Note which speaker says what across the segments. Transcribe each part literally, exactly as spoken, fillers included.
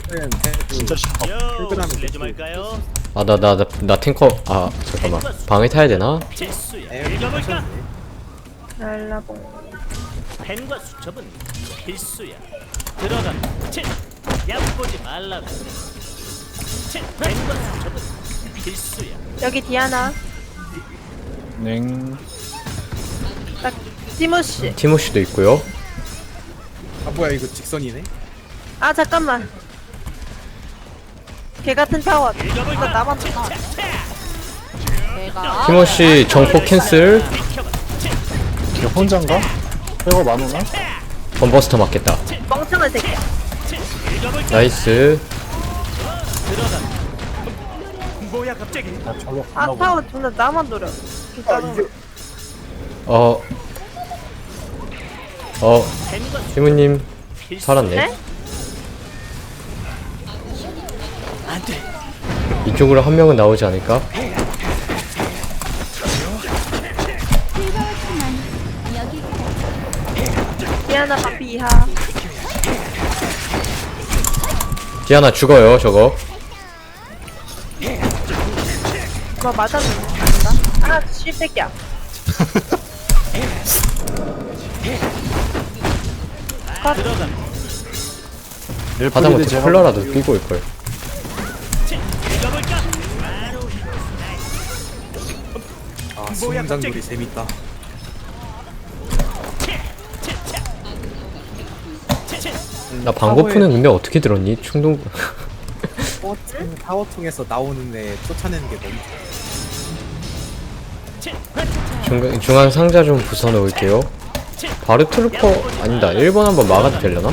Speaker 1: 진짜 싫어.
Speaker 2: 출근하는
Speaker 3: 실례
Speaker 2: 거
Speaker 3: 좀 할까요?
Speaker 4: 아 나 나 나 나 탱커 아 잠깐만 방을 타야 되나?
Speaker 3: 필수야.
Speaker 2: 에이,
Speaker 3: 읽어볼까?
Speaker 5: 날라봉.
Speaker 3: 펜과 수첩은 필수야. 들어가. 치. 얕보지 말라고. 치. 펜과 수첩은 필수야.
Speaker 5: 여기 디아나.
Speaker 1: 냉.
Speaker 5: 딱 티모시.
Speaker 4: 티모시도 있고요.
Speaker 2: 아 뭐야 이거 직선이네?
Speaker 5: 아 잠깐만. 개 같은 타워. 이거
Speaker 3: 읽어볼까?
Speaker 5: 나만
Speaker 3: 치.
Speaker 5: 봐.
Speaker 3: 차, 차.
Speaker 6: 내가
Speaker 4: 티모시 정포 캔슬.
Speaker 3: 비켜봐. 치.
Speaker 1: 걔 혼잔가? 백업 안 오나?
Speaker 4: 건버스터 맞겠다.
Speaker 5: 멍청한 새끼야.
Speaker 3: 치. 읽어볼까?
Speaker 4: 나이스.
Speaker 3: 들어가. 뭐야 갑자기?
Speaker 1: 아, 저거
Speaker 5: 아
Speaker 1: 끝나고.
Speaker 5: 타워 존나 나만 노려. 진짜로.
Speaker 4: 어. 어.
Speaker 3: 펜과 수첩은
Speaker 4: 티모님
Speaker 3: 필수야.
Speaker 4: 살았네.
Speaker 5: 네?
Speaker 3: 안 돼.
Speaker 4: 이쪽으로 한 명은 나오지 않을까?
Speaker 5: 디아나 바피 이하.
Speaker 4: 디아나 죽어요 저거.
Speaker 5: 뭐 맞았는데. 아닌가? 아 씨새끼야.
Speaker 3: 들어가.
Speaker 4: 하다못해
Speaker 1: 제가
Speaker 4: 쿨러라도 끼고 올걸.
Speaker 3: 치. 읽어볼까?
Speaker 2: 아 수영장놀이 재밌다.
Speaker 4: 나 방고프는 근데 어떻게 들었니? 충동
Speaker 2: 타워, 타워 통해서 나오는 애 쫓아내는 게 너무 좋아.
Speaker 4: 중간, 중앙 상자 좀 부숴 놓을게요. 바르 트루퍼 아니다. 일 번 한번 막아도 되려나?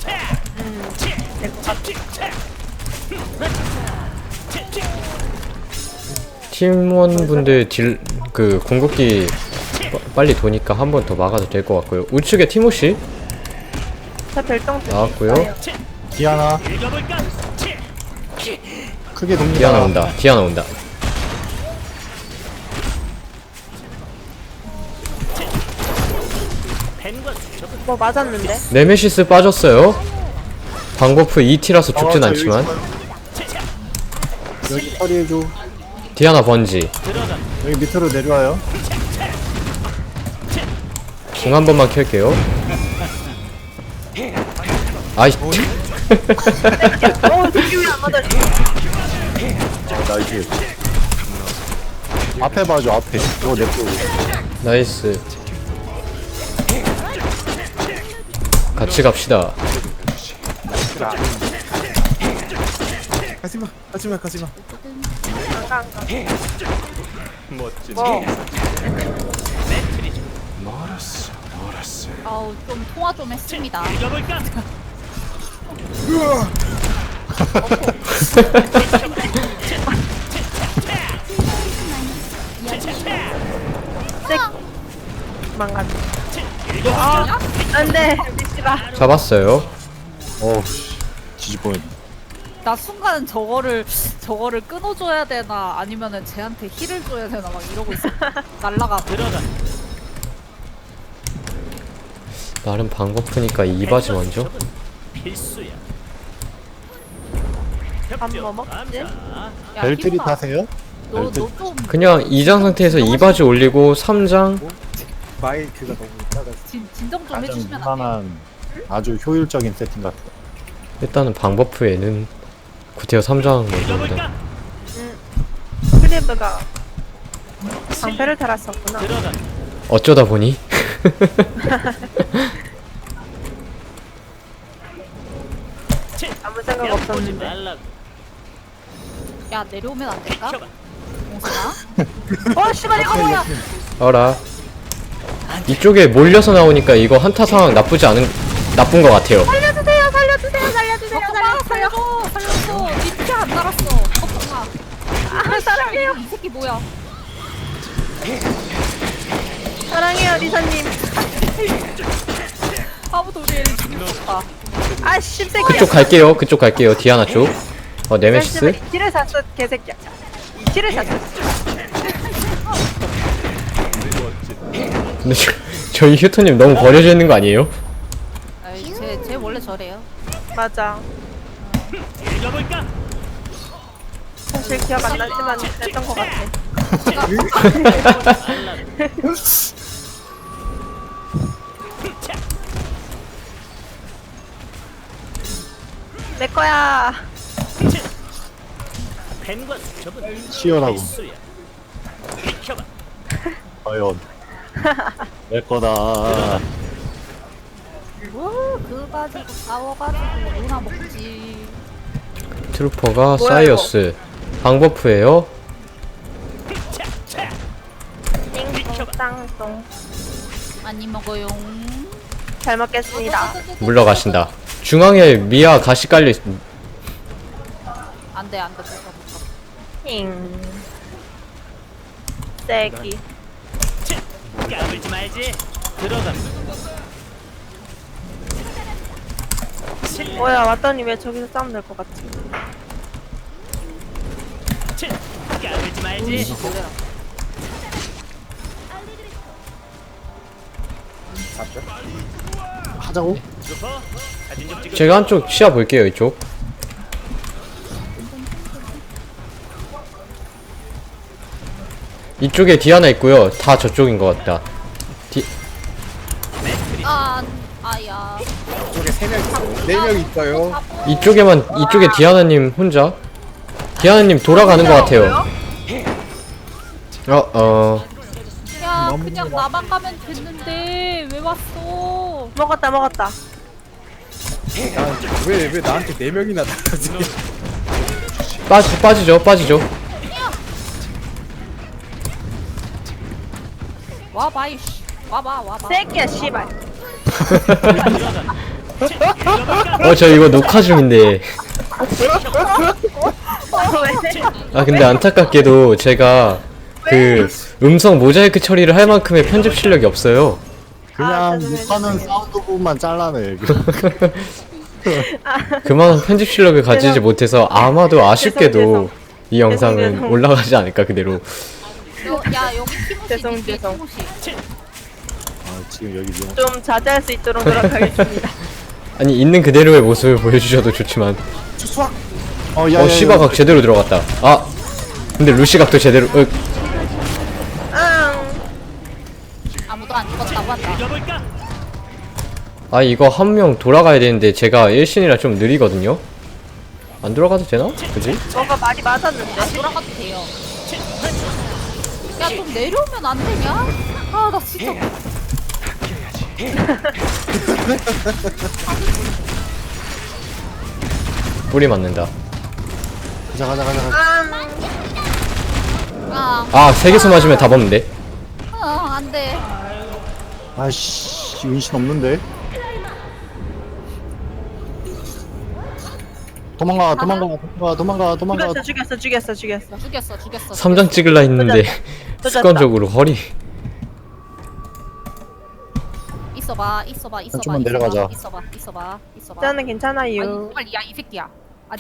Speaker 4: 팀원분들 딜 그 궁극기 빠- 빨리 도니까 한 번 더 막아도 될 것 같고요. 우측에 티모시
Speaker 5: 저 별똥 뜯기
Speaker 4: 나왔고요.
Speaker 5: 있어요.
Speaker 1: 디아나
Speaker 3: 읽어볼까?
Speaker 1: 크게 돕니다.
Speaker 4: 디아나 온다. 디아나 온다.
Speaker 3: 펜과 수첩은
Speaker 5: 뭐 맞았는데?
Speaker 4: 네메시스 빠졌어요. 방고프 이 티라서 죽진
Speaker 1: 아, 저
Speaker 4: 않지만
Speaker 1: 여기, 여기 처리해줘.
Speaker 4: 디아나 번지
Speaker 3: 들어가.
Speaker 1: 여기 밑으로 내려와요.
Speaker 4: 궁 한 번만 켤게요. 아이
Speaker 5: 어 새끼 왜안 맞아?
Speaker 1: 아, 나이스. 앞에 봐줘, 앞에. 이거 냅두고.
Speaker 4: 나이스. 같이 갑시다.
Speaker 2: 가지마 가지마 가지마.
Speaker 5: 안가 안가.
Speaker 3: 멋진.
Speaker 5: 뭐
Speaker 6: 아우 좀 통화 좀 했습니다.
Speaker 3: 읽어볼까?
Speaker 5: 망가져.
Speaker 3: 읽어볼까?
Speaker 5: 안돼 미치라.
Speaker 4: 잡았어요.
Speaker 1: 어우, 씨. 뒤집어야 돼.
Speaker 6: 나 순간 저거를 저거를 끊어줘야 되나 아니면은 쟤한테 힐을 줘야 되나 막 이러고 있어. 날라가.
Speaker 3: 들어가.
Speaker 4: 나름 방고프니까 이 바지
Speaker 3: 펜과
Speaker 4: 먼저.
Speaker 3: 수첩은 필수야.
Speaker 5: 밥
Speaker 3: 협조,
Speaker 5: 뭐 먹지?
Speaker 3: 감사.
Speaker 6: 야,
Speaker 1: 벨트리
Speaker 6: 희문아,
Speaker 1: 타세요?
Speaker 6: 너
Speaker 1: 벨트.
Speaker 6: 너 좀
Speaker 4: 그냥 이 장 상태에서 이 바지 올리고 삼 장
Speaker 2: 마이크가 너무 작아서.
Speaker 6: 진정 좀
Speaker 1: 가장
Speaker 6: 해주시면 안 돼?
Speaker 1: 무난한 아주 효율적인 세팅 같아.
Speaker 4: 일단은 방버프에는 구태여 삼 장 먼저 옵니다.
Speaker 3: 읽어볼까?
Speaker 5: 클리브가 방패를 달았었구나.
Speaker 3: 들어가.
Speaker 4: 어쩌다 보니
Speaker 5: 아무 생각
Speaker 3: 얕보지
Speaker 5: 없었는데.
Speaker 3: 말라고.
Speaker 6: 야 내려오면 안 될까?
Speaker 3: 비켜봐.
Speaker 6: 공순아?
Speaker 5: 어 씨발 이거 뭐야?
Speaker 4: 어라. 이쪽에 몰려서 나오니까 이거 한타 상황 나쁘지 않은 나쁜 것 같아요.
Speaker 5: 살려주세요 살려주세요 살려주세요
Speaker 6: 덕분아
Speaker 5: 살려주세요.
Speaker 6: 살려줘 살려줘. 니피안 달았어. 덕분아.
Speaker 5: 아 사랑해요
Speaker 6: 이 새끼 뭐야?
Speaker 5: 사랑해요 리사님.
Speaker 6: 아무도 우리 애를 죽일 수 없다.
Speaker 5: 아 씹새끼야.
Speaker 4: 그쪽 갈게요. 그쪽 갈게요. 디아나 쪽. 어 네메시스.
Speaker 5: 이 티를 샀어 개새끼야. 이 티를 샀어.
Speaker 4: 근데 저, 저희 휴토님 너무 버려져 있는 거 아니에요?
Speaker 6: 아이 쟤쟤 원래 저래요.
Speaker 5: 맞아.
Speaker 3: 읽어볼까?
Speaker 5: 사실 기억 안 나지만 그랬던 것 같아. 내 거야.
Speaker 3: 펜과 수첩은
Speaker 1: 치열하고.
Speaker 3: 필수야. 비켜봐.
Speaker 1: 과연 내 거다.
Speaker 6: 뭐그 가지고 싸워가지고 누나 먹지.
Speaker 4: 트루퍼가
Speaker 5: 뭐야,
Speaker 4: 사이어스 방버프예요.
Speaker 5: 띵동 땅동.
Speaker 6: 많이 먹어요.
Speaker 5: 잘 먹겠습니다.
Speaker 4: 물러가신다. 중앙에 미아 가시 깔려 있...
Speaker 6: 안돼 안돼.
Speaker 5: 띵. 세기.
Speaker 3: 까불지 말지. 들어간다.
Speaker 5: 뭐야 왔더니 왜 저기서 싸움 날 것 같지?
Speaker 3: 까불지 말지.
Speaker 1: 하자고?
Speaker 3: 루퍼 사진 좀 찍어.
Speaker 4: 제가 한쪽 시야 볼게요. 이쪽. 이쪽에 디아나 있고요. 다 저쪽인 것 같다. 디...
Speaker 6: 아 아야.
Speaker 2: 저쪽에 세 명, 네 명 있어요.
Speaker 4: 이쪽에만 이쪽에 디아나님 혼자. 디아나님 돌아가는 것 같아요. 어 어.
Speaker 6: 야 그냥 나만 가면 됐는데 왜 왔어?
Speaker 5: 먹었다 먹었다.
Speaker 2: 왜, 왜 나한테 네 명이나 나가지?
Speaker 4: 빠지 빠지죠 빠지죠.
Speaker 6: 와봐 이씨. 와봐 와봐.
Speaker 5: 세기야 씨발.
Speaker 4: 어 저 이거 녹화 중인데.
Speaker 5: 왜?
Speaker 4: 아 근데 안타깝게도 제가 그 음성 모자이크 처리를 할 만큼의 편집 실력이 없어요.
Speaker 1: 그냥
Speaker 5: 아, 죄송해요,
Speaker 1: 못하는
Speaker 5: 죄송해요.
Speaker 1: 사운드 부분만 잘라내.
Speaker 4: 그만한 편집 실력을 가지지
Speaker 5: 죄송-
Speaker 4: 못해서 아마도 아쉽게도
Speaker 5: 죄송,
Speaker 4: 이 영상은
Speaker 5: 죄송.
Speaker 4: 올라가지 않을까 그대로.
Speaker 6: 요, 야 여기 티모시
Speaker 5: 죄송,
Speaker 6: 있지,
Speaker 5: 죄송.
Speaker 6: 티모시.
Speaker 1: 아, 지금 여기 위험.
Speaker 5: 좀 자제할 수 있도록 노력하겠습니다.
Speaker 4: 아니 있는 그대로의 모습을 보여주셔도 좋지만.
Speaker 2: 수학!
Speaker 1: 어, 야,
Speaker 4: 어 시바각 제대로 들어갔다. 아 근데 루시각도 제대로. 어,
Speaker 5: 응.
Speaker 6: 아무도 안 죽었다고 한다.
Speaker 3: 읽어볼까?
Speaker 4: 아 이거 한 명 돌아가야 되는데 제가 일신이라 좀 느리거든요. 안 돌아가도 되나? 그지?
Speaker 5: 뭔가 말이 맞았는데.
Speaker 6: 안 돌아가도 돼요. 야 좀 내려오면 안 되냐? 아 나 진짜.
Speaker 4: 뿌리 맞는다.
Speaker 1: 가자, 가자, 가자. 가자.
Speaker 6: 아,
Speaker 4: 아 세 개수 맞으면 답 없는데.
Speaker 6: 어, 안 돼.
Speaker 1: 아이씨, 은신 없는데? 도망가, 도망가, 도망가, 도망가, 도망가.
Speaker 5: 죽였어 죽였어 죽였어 죽였어.
Speaker 6: 죽였어, 죽였어.
Speaker 4: 삼 장 찍을라 했는데
Speaker 5: 또 졌다.
Speaker 4: 습관적으로 허리.
Speaker 6: 있어봐, 있어봐, 있어봐.
Speaker 1: 좀만
Speaker 6: 있어봐,
Speaker 1: 내려가자.
Speaker 6: 있어봐, 있어봐, 있어봐.
Speaker 5: 저는
Speaker 6: 아니,
Speaker 5: 괜찮아요.
Speaker 6: 빨리 야이 새끼야. 아니,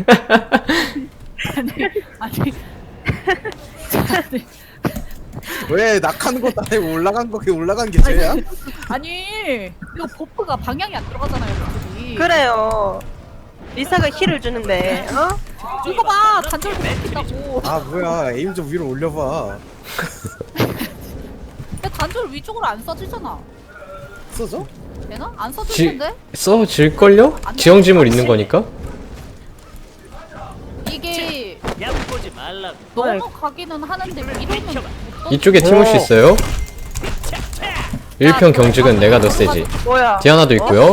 Speaker 6: 아니, 아니, 아니,
Speaker 2: 왜 낙하는 것도 아니고 올라간 거, 그게 올라간 게 죄야?
Speaker 6: 아니, 이거 버프가 방향이 안 들어가잖아요, 갑자기.
Speaker 5: 그래요. 리사가 힐을 주는데, 어?
Speaker 6: 이거 봐, 단절 못 시킨다고.
Speaker 2: 아, 뭐야. 에임 좀 위로 올려봐.
Speaker 6: 근데 단절 위쪽으로 안 써지잖아.
Speaker 2: 써줘?
Speaker 6: 되나? 안 써질
Speaker 4: 지,
Speaker 6: 텐데?
Speaker 4: 써질걸요? 지형지물 있는 거니까?
Speaker 6: 이게
Speaker 3: 얕보지 말라고.
Speaker 6: 너무 가기는 하는데 이러면
Speaker 4: 이쪽에 티모시 있어요. 일 편 경직은 내가 더 세지.
Speaker 5: 뭐야?
Speaker 4: 디아나도 있고요.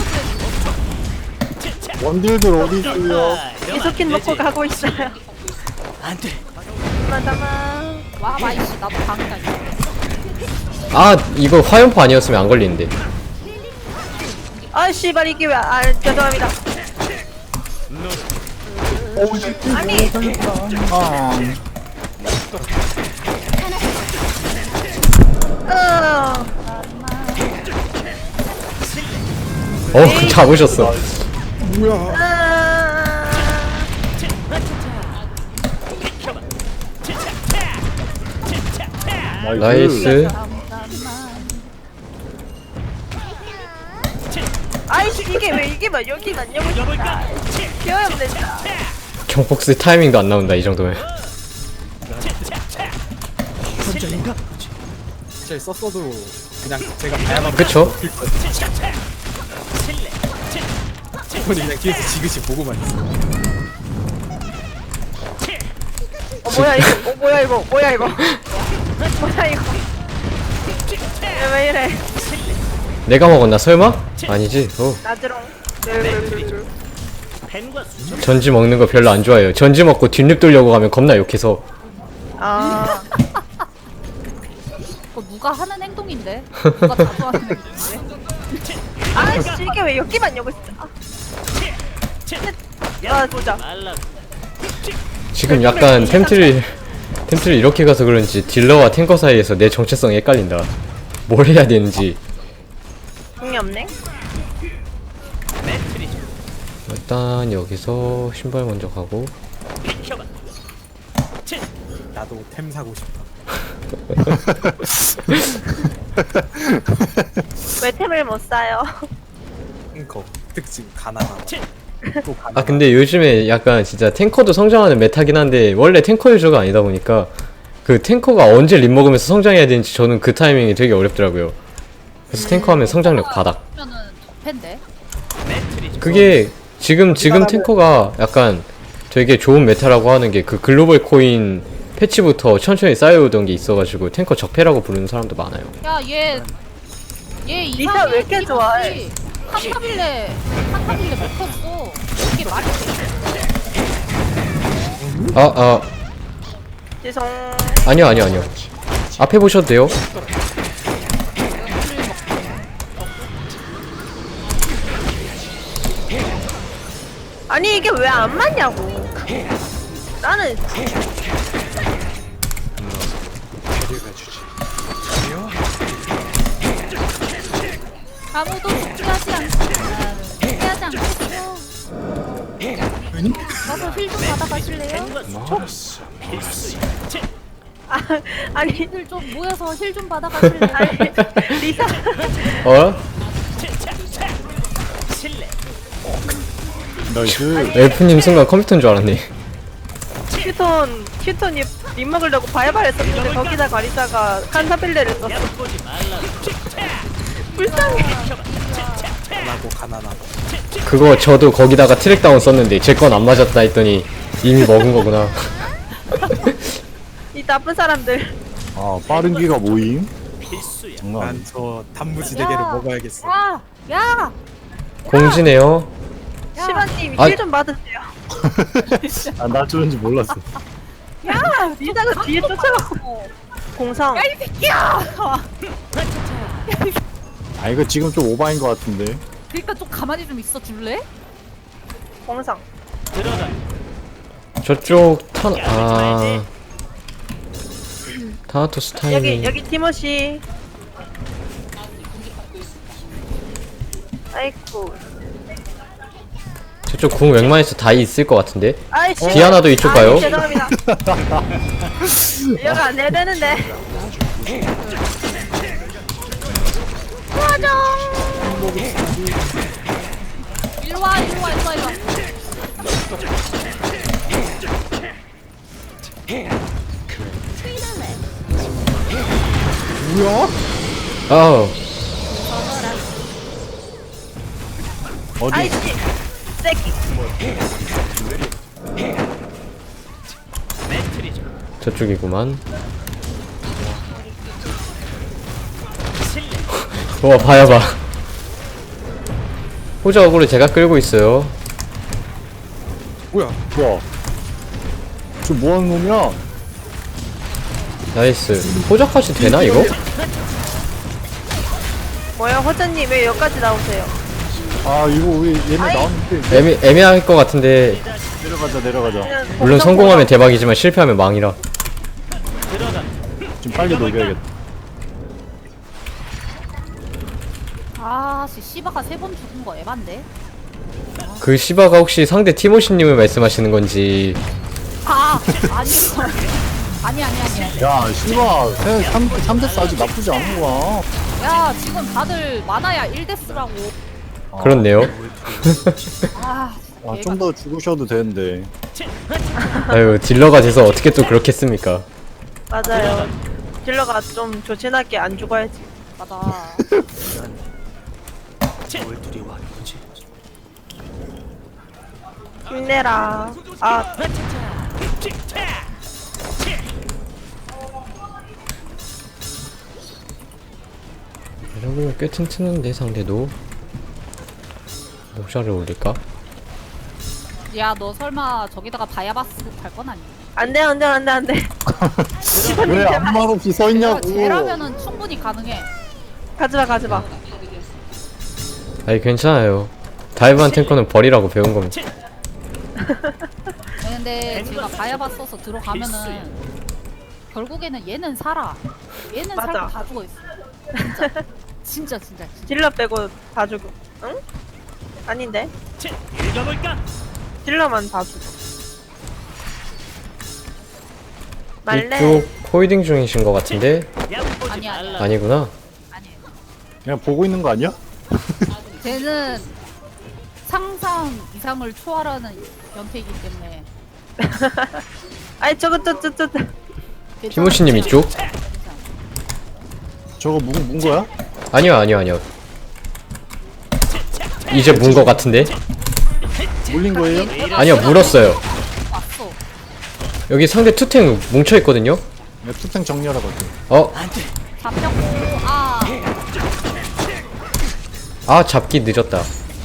Speaker 1: 원딜들 어디 있어요?
Speaker 5: 이소킨 먹고 가고 있어요.
Speaker 3: 안 돼.
Speaker 5: 마다마.
Speaker 6: 와 마이씨 나도 방이다.
Speaker 4: 아 이거 화염포 아니었으면 안 걸리는데.
Speaker 5: 아 씨발 이게 왜? 아 죄송합니다. 아니.
Speaker 1: 아,
Speaker 5: 어.
Speaker 4: 어 잡으셨어.
Speaker 2: 뭐야.
Speaker 5: 아.
Speaker 4: 나이스.
Speaker 5: 아이씨 이게 왜 이게 막 여기만 여기
Speaker 3: 읽어볼까?
Speaker 5: 귀여운데 진짜.
Speaker 4: 정폭스 타이밍도 안 나온다 이 정도면.
Speaker 3: 혼자인가?
Speaker 2: 사실 썼어도 그냥 제가 봐야만
Speaker 4: 그쵸?
Speaker 2: 저분이 그냥 뒤에서 지그시 보고만 있어.
Speaker 5: 어 뭐야 이거? 어 뭐야 이거? 뭐야 이거? 뭐야 이거? 왜, 왜 이래?
Speaker 4: 내가 먹었나 설마? 아니지. 어.
Speaker 5: 나드롱.
Speaker 3: 펜과 수첩.
Speaker 4: 전지 먹는 거 별로 안 좋아해요. 전지 먹고 뒷립 돌려고 가면 겁나 욕해서.
Speaker 5: 아.
Speaker 6: 그거 누가 하는 행동인데? 누가 자주 하는 행동인데?
Speaker 5: 아씨 이게 왜 여기만 여기 있어? 아 진짜.
Speaker 3: 말라고.
Speaker 4: 지금 약간 템트를 템트를 이렇게 가서 그런지 딜러와 탱커 사이에서 내 정체성이 헷갈린다. 뭘 해야 되는지.
Speaker 5: 공이 없네.
Speaker 3: 매트리죠.
Speaker 4: 일단 여기서 신발 먼저 가고.
Speaker 3: 비켜봐. 치.
Speaker 2: 나도 템 사고 싶다.
Speaker 5: 왜 템을 못 사요?
Speaker 2: 탱커 특징 가난하다.
Speaker 3: 치.
Speaker 2: 또 가난하다.
Speaker 4: 아 근데 요즘에 약간 진짜 탱커도 성장하는 메타긴 한데 원래 탱커 유저가 아니다 보니까 그 탱커가 언제 립 먹으면서 성장해야 되는지 저는 그 타이밍이 되게 어렵더라고요. 그래서 탱커 하면 성장력 바닥.
Speaker 6: 그러면은 적팬데?
Speaker 3: 매트리죠.
Speaker 4: 그게 지금 지금 탱커가 약간 되게 좋은 메타라고 하는 게 그 글로벌 코인 패치부터 천천히 쌓여오던 게 있어가지고 탱커 적폐라고 부르는 사람도 많아요.
Speaker 6: 야, 얘, 얘
Speaker 5: 리사
Speaker 6: 이상해.
Speaker 5: 왜 이렇게 좋아해?
Speaker 6: 한타빌레, 한타빌레 먹혔어. 이게 말이 돼?
Speaker 4: 아, 아,
Speaker 5: 죄송.
Speaker 4: 아니요, 아니요, 아니요. 앞에 보셔도 돼요.
Speaker 5: 아니 이게 왜 안 맞냐고. 나는
Speaker 6: 아무도 숙제하지 않고, 숙제하지 않겠어. 가서 힐 좀 받아가실래요?
Speaker 3: 펜과 수첩. 필수야. 치.
Speaker 5: 아, 아니
Speaker 6: 힐 좀 모여서 힐 좀 받아가실래요?
Speaker 5: 아니 리사
Speaker 4: 어?
Speaker 3: 치차차. 실례.
Speaker 1: 나이스.
Speaker 4: 엘프님 순간 컴퓨터인 줄 알았네.
Speaker 5: 휴톤 휴톤이 립 먹으려고 바이바를 썼는데 거기다가 리사가 칸타빌레를 썼어.
Speaker 3: 얕보지 말라고.
Speaker 5: 불쌍해.
Speaker 2: 가난하고 가난하다.
Speaker 4: 그거 저도 거기다가 트랙다운 썼는데 제 건 안 맞았다 했더니 이미 먹은 거구나.
Speaker 5: 이 나쁜 사람들.
Speaker 1: 아 빠른 기가 모임.
Speaker 3: 필수야.
Speaker 1: 장난.
Speaker 2: 난 저 단무지대게를
Speaker 6: 야.
Speaker 2: 먹어야겠어.
Speaker 6: 야! 야!
Speaker 4: 공지네요.
Speaker 5: 시바님
Speaker 4: 아.
Speaker 5: 힐 좀 받으세요.
Speaker 1: 아나 주는지 몰랐어.
Speaker 5: 야 리사가 뒤에 쫓아가고 공성.
Speaker 6: 야, 이 새끼야!
Speaker 1: 아 이거 지금 좀 오바인 것 같은데.
Speaker 6: 그니까 좀 가만히 좀 있어 줄래?
Speaker 5: 공성.
Speaker 3: 들어가.
Speaker 4: 저쪽 타, 아. 타나토스
Speaker 5: 여기
Speaker 4: 타이밍.
Speaker 5: 여기 티모시. 아이쿠.
Speaker 4: 저쪽 궁 웬만해서 다 있을 것 같은데.
Speaker 5: 아이씨.
Speaker 4: 디아나도 이쪽 가요?
Speaker 5: 아이, 죄송합니다. 이거 안 해야 되는데. 도와줘.
Speaker 6: 일로 와, 일로 와, 일로 와, 일로 와.
Speaker 1: 뭐야?
Speaker 4: 아우.
Speaker 1: 어디?
Speaker 5: 아이씨. 새끼.
Speaker 3: 매트리죠.
Speaker 4: 저쪽이구만.
Speaker 3: 실례.
Speaker 4: 와, 봐야 봐. 호자 어그로 제가 끌고 있어요.
Speaker 2: 뭐야?
Speaker 1: 뭐야? 저 뭐하는 놈이야?
Speaker 4: 나이스. 호자까지 되나 이거?
Speaker 5: 뭐야 호자님 왜 여기까지 나오세요?
Speaker 1: 아 이거 왜 얘네
Speaker 5: 아이.
Speaker 1: 나왔는데
Speaker 4: 애매, 애매할 것 같은데
Speaker 1: 내려가자 내려가자.
Speaker 5: 그냥
Speaker 4: 물론
Speaker 5: 공성
Speaker 4: 성공하면
Speaker 5: 공성.
Speaker 4: 대박이지만 실패하면 망이라.
Speaker 3: 들어가.
Speaker 1: 좀 빨리 녹여야겠다.
Speaker 6: 아, 씨, 씨바가 세 번 죽은 거 에반데?
Speaker 4: 그 시바가 혹시 상대 티모시님을 말씀하시는 건지.
Speaker 6: 아, 아니, 아니, 아니, 아니.
Speaker 1: 야 씨발 삼 대 사 아직 나쁘지 않은 거야.
Speaker 6: 야, 지금 다들 많아야 일 대스라고.
Speaker 1: 아,
Speaker 4: 그렇네요.
Speaker 6: 아,
Speaker 1: 아, 좀 더 죽으셔도 되는데.
Speaker 4: 아유 딜러가 돼서 어떻게 또 그렇게 씁니까?
Speaker 5: 맞아요. 딜러가 좀 조신하게 안 죽어야지.
Speaker 6: 맞아.
Speaker 3: 뭘 두려워하는 거지?
Speaker 5: 힘내라. 아,
Speaker 4: 이러면 꽤 튼튼한데 상대도. 모자를 올릴까?
Speaker 6: 야, 너 설마 저기다가 바야바스 갈 건 아니야?
Speaker 5: 안 돼, 안 돼, 안 돼, 안 돼.
Speaker 1: 왜 아무 말 없이 서
Speaker 6: 야,
Speaker 1: 있냐고.
Speaker 6: 쟤라면은 충분히 가능해.
Speaker 5: 가지마, 가지마.
Speaker 4: 아니 괜찮아요. 다이브한 탱커는 버리라고 배운 겁니다.
Speaker 6: 근데 제가 바야바스 써서 들어가면은 결국에는 얘는 살아. 얘는
Speaker 5: 맞아.
Speaker 6: 살고 다 죽어 있어. 진짜. 진짜 진짜. 진짜.
Speaker 5: 딜러 빼고 다 죽어. 응? 아닌데?
Speaker 3: 읽어볼까?
Speaker 5: 딜러만 다 죽어. 말래.
Speaker 4: 이쪽 코이딩 중이신 것 같은데?
Speaker 3: 얕보지
Speaker 6: 아니야, 아니야.
Speaker 3: 말라.
Speaker 4: 아니구나.
Speaker 6: 아니에요.
Speaker 1: 그냥 보고 있는 거 아니야?
Speaker 6: 쟤는 상상 이상을 초월하는 연태이기 때문에.
Speaker 5: 아이, 저거, 저, 저, 저, 저.
Speaker 4: 티모시님 이쪽?
Speaker 1: 저거 문, 문 거야?
Speaker 4: 아니요 아니요 아니요. 이제 문 것 같은데?
Speaker 1: 물린 거예요?
Speaker 4: 아니요 물었어요.
Speaker 6: 왔어.
Speaker 4: 여기 상대 투탱 뭉쳐있거든요?
Speaker 1: 네, 투탱 정리하라고 할게.
Speaker 4: 어?
Speaker 6: 잡혔고, 아.
Speaker 4: 아 잡기 늦었다.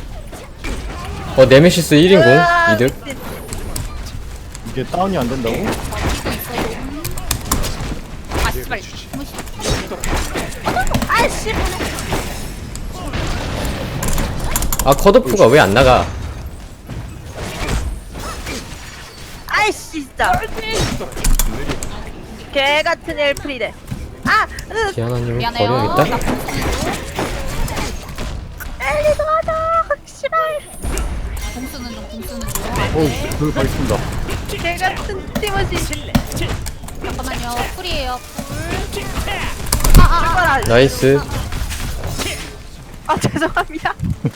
Speaker 4: 어 네메시스 일 인공
Speaker 5: 으아,
Speaker 4: 이득.
Speaker 5: 미친.
Speaker 1: 이게 다운이 안 된다고?
Speaker 6: 아, 씨발. 무시.
Speaker 5: 아이씨.
Speaker 4: 아 컷오프가 왜 안 나가?
Speaker 5: 아이씨, 진짜. 개 같은 엘프리데. 아, 으,
Speaker 4: 디아나님을
Speaker 6: 미안해요.
Speaker 4: 버려야겠다.
Speaker 5: 빨리 도와줘. 씨발.
Speaker 6: 공수는 좀, 공수는 좀.
Speaker 1: 어, 그걸 가겠습니다.
Speaker 5: 개 같은 티모시.
Speaker 6: 잠깐만요. 쿨이에요, 쿨.
Speaker 5: 죽어라.
Speaker 4: 나이스.
Speaker 5: 아, 죄송합니다.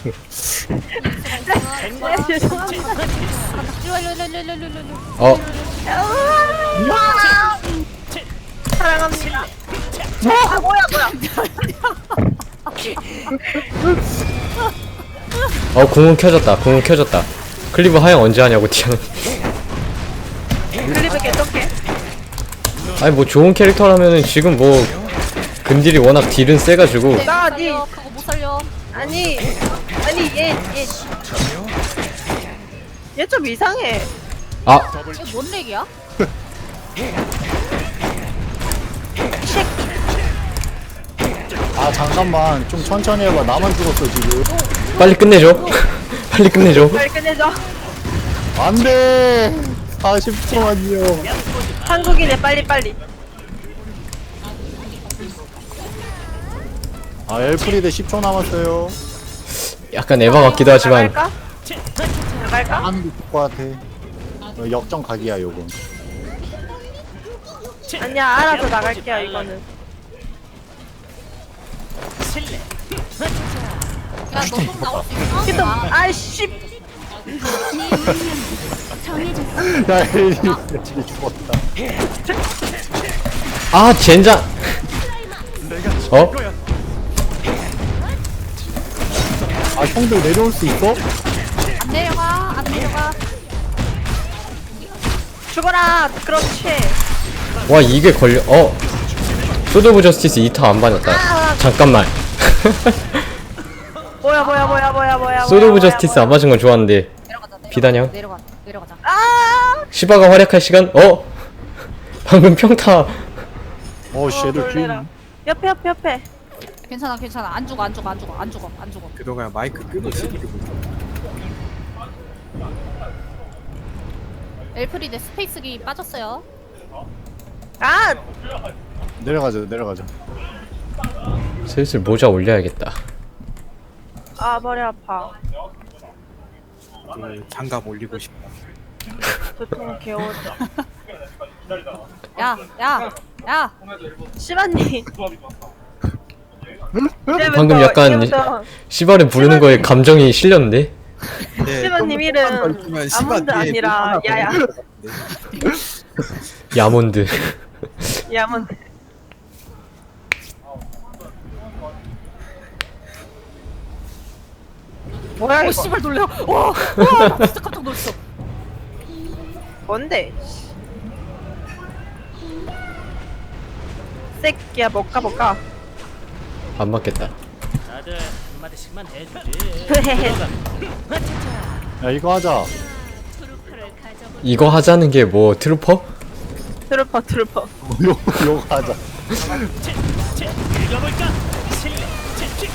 Speaker 5: 네, 죄송합니다.
Speaker 6: 일로, 일로, 일로, 일로, 일로, 일로, 일로.
Speaker 4: 어
Speaker 5: 우와. 사랑합니다. 아, 뭐야, 뭐야.
Speaker 4: 어 공은 켜졌다. 공은 켜졌다. 클리브 하영 언제 하냐고 디아나.
Speaker 5: 클리브 개떡해.
Speaker 4: 아니 뭐 좋은 캐릭터라면은 지금 뭐 근딜이 워낙 딜은 세가지고.
Speaker 5: 나,
Speaker 6: 못
Speaker 5: 니.
Speaker 6: 살려. 그거 못 살려.
Speaker 5: 아니, 아니, 얘, 얘. 얘 좀 이상해.
Speaker 4: 아
Speaker 6: 이게 뭔 렉이야?
Speaker 1: 아, 잠깐만. 좀 천천히 해봐. 나만 죽었어, 지금.
Speaker 4: 빨리 끝내줘. 빨리 끝내줘.
Speaker 5: 빨리 끝내줘.
Speaker 1: 안 돼! 사십 초만요.
Speaker 5: 한국인의 빨리빨리.
Speaker 1: 아, 엘프리드 십 초 남았어요.
Speaker 4: 약간 에바 같기도 하지만
Speaker 5: 나갈까? 나갈까?
Speaker 1: 하는 게 좋을 것 같아. 어, 역전 각이야, 요건.
Speaker 5: 아니야, 알아서 나갈게요, 이거는.
Speaker 3: 실례.
Speaker 6: 야, 너좀 나올 수 있어?
Speaker 5: 피도,
Speaker 6: 아,
Speaker 5: 아이씨.
Speaker 1: 야, 엘리, 엘리 죽었다.
Speaker 4: 아 젠장. 어?
Speaker 1: 아, 형들 내려올 수 있어?
Speaker 6: 안 내려가, 안 내려가.
Speaker 5: 죽어라. 그렇지.
Speaker 4: 와 이게 걸려. 어 소드 오브 저스티스 이 타 안 받았다. 잠깐만.
Speaker 5: 뭐야, 뭐야, 뭐야, 뭐야, 뭐야.
Speaker 4: 소드 오브
Speaker 5: 뭐야,
Speaker 4: 저스티스
Speaker 5: 뭐야.
Speaker 4: 안 맞은 건 좋았는데.
Speaker 6: 내려가자, 내려가자.
Speaker 4: 비단형?
Speaker 6: 내려가, 내려가자.
Speaker 5: 아!
Speaker 4: 시바가 활약할 시간? 어? 방금 평타.
Speaker 1: 어, 씨, 애들
Speaker 5: 놀래라.
Speaker 1: 퀸.
Speaker 5: 옆에, 옆에, 옆에.
Speaker 6: 괜찮아, 괜찮아. 안 죽어, 안 죽어, 안 죽어, 안 죽어, 안 죽어.
Speaker 2: 그동안 마이크 끄고 시키고.
Speaker 6: 엘프리드 스페이스기 빠졌어요.
Speaker 5: 아!
Speaker 1: 내려가자, 내려가자.
Speaker 4: 슬슬 모자 올려야겠다.
Speaker 5: 아, 머리 아파.
Speaker 2: 그 장갑 올리고 싶다.
Speaker 5: 도통 개워져.
Speaker 6: 야, 야, 야.
Speaker 5: 시바님.
Speaker 4: 방금 약간 시바를 부르는 거에 감정이 실렸는데?
Speaker 2: 네,
Speaker 5: 시바님 이름
Speaker 2: 있으면 시바
Speaker 5: 아몬드
Speaker 2: 뒤에
Speaker 5: 아니라
Speaker 2: 하나
Speaker 5: 야야.
Speaker 2: 보이는 것 같은데.
Speaker 4: 야몬드.
Speaker 5: 야몬. 뭐야
Speaker 6: 오
Speaker 5: 이거?
Speaker 6: 씨발 놀래요. 와, 와, 나 진짜 깜짝 놀랐어.
Speaker 5: 뭔데? 새끼야 먹까 먹까.
Speaker 4: 안 맞겠다.
Speaker 3: 다들 한마디씩만 해주지.
Speaker 1: 야 이거 하자.
Speaker 4: 이거 하자는 게 뭐 트루퍼?
Speaker 5: 트루퍼 트루퍼.
Speaker 1: 요 요거 하자.
Speaker 3: 읽어볼까? 실례. 칙칙.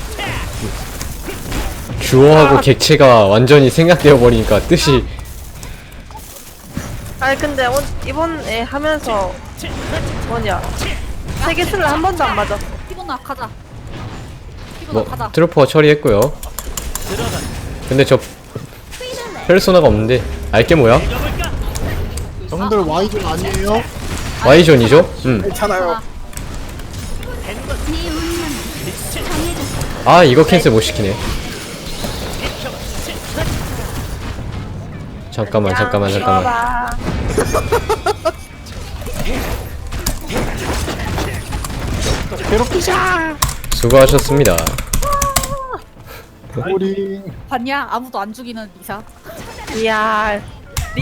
Speaker 4: 주어하고 객체가 완전히 생략되어 버리니까 뜻이
Speaker 5: 아니 근데 오, 이번에 하면서 뭐냐 세계 술을 한 번도 안 맞았어.
Speaker 6: 피곤하 가자. 피곤하
Speaker 4: 뭐
Speaker 6: 가자.
Speaker 4: 트루퍼 처리했고요.
Speaker 3: 들어가.
Speaker 4: 근데 저 페르소나가 없는데 알게 뭐야?
Speaker 3: 읽어볼까?
Speaker 1: 형들 Y존 아니에요?
Speaker 4: Y존이죠? 음.
Speaker 2: 괜찮아요.
Speaker 4: 아 이거 캔슬 못 시키네. 잠깐만 잠깐만 잠깐만.
Speaker 5: 봐봐.
Speaker 1: 괴롭히자.
Speaker 4: 수고하셨습니다.
Speaker 1: 우리
Speaker 6: 봤냐? 아무도 안 죽이는 리사.
Speaker 5: 이야